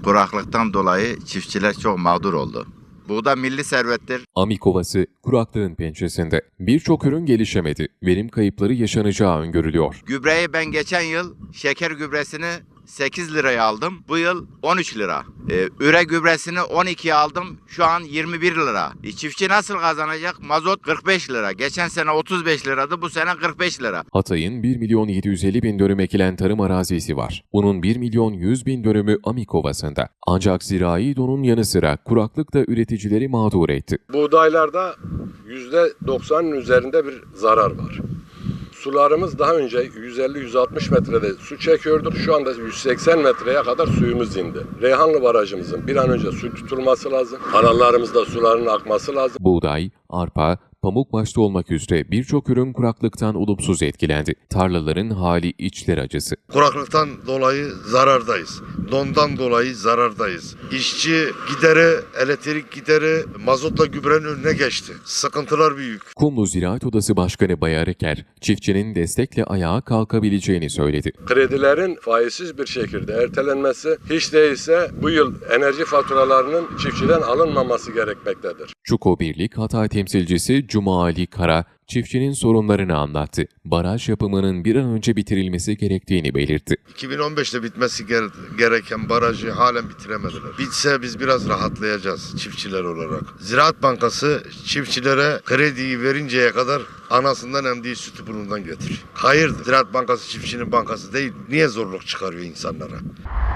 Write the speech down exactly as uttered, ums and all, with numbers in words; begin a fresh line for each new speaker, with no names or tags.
Kuraklıktan dolayı çiftçiler çok mağdur oldu. Buğda milli servettir.
Amik Ovası kuraklığın pençesinde. Birçok ürün gelişemedi. Verim kayıpları yaşanacağı öngörülüyor.
Gübreyi ben geçen yıl şeker gübresini sekiz liraya aldım. Bu yıl on üç lira. Ee, üre gübresini on ikiye aldım. Şu an yirmi bir lira. E, çiftçi nasıl kazanacak? Mazot kırk beş lira. Geçen sene otuz beş liradı. Bu sene kırk beş lira.
Hatay'ın bir milyon yedi yüz elli bin dönüm ekilen tarım arazisi var. Bunun bir milyon yüz bin dönümü Amik Ovası'nda. Ancak zirai donun yanı sıra kuraklık da üreticileri mağdur etti.
Buğdaylarda yüzde doksanın üzerinde bir zarar var. Sularımız daha önce yüz elli yüz altmış metrede su çekiyorduk. Şu anda yüz seksen metreye kadar suyumuz indi. Reyhanlı Barajımızın bir an önce su tutulması lazım. Kanallarımızda suların akması lazım.
Buğday, arpa, pamuk başta olmak üzere birçok ürün kuraklıktan olumsuz etkilendi. Tarlaların hali içler acısı.
Kuraklıktan dolayı zarardayız. Dondan dolayı zarardayız. İşçi gideri, elektrik gideri mazotla gübrenin önüne geçti. Sıkıntılar büyük.
Kumlu Ziraat Odası Başkanı Bayar Eker, çiftçinin destekle ayağa kalkabileceğini söyledi.
Kredilerin faizsiz bir şekilde ertelenmesi hiç değilse bu yıl enerji faturalarının çiftçiden alınmaması gerekmektedir.
Çuko Birlik Hatay temsilcisi Cuma Ali Kara, çiftçinin sorunlarını anlattı. Baraj yapımının bir an önce bitirilmesi gerektiğini belirtti.
iki bin on beşte bitmesi gereken barajı halen bitiremediler. Bitse biz biraz rahatlayacağız çiftçiler olarak. Ziraat Bankası çiftçilere krediyi verinceye kadar anasından emdiği sütü burnundan götür. Hayır, Ziraat Bankası çiftçinin bankası değil. Niye zorluk çıkarıyor insanlara?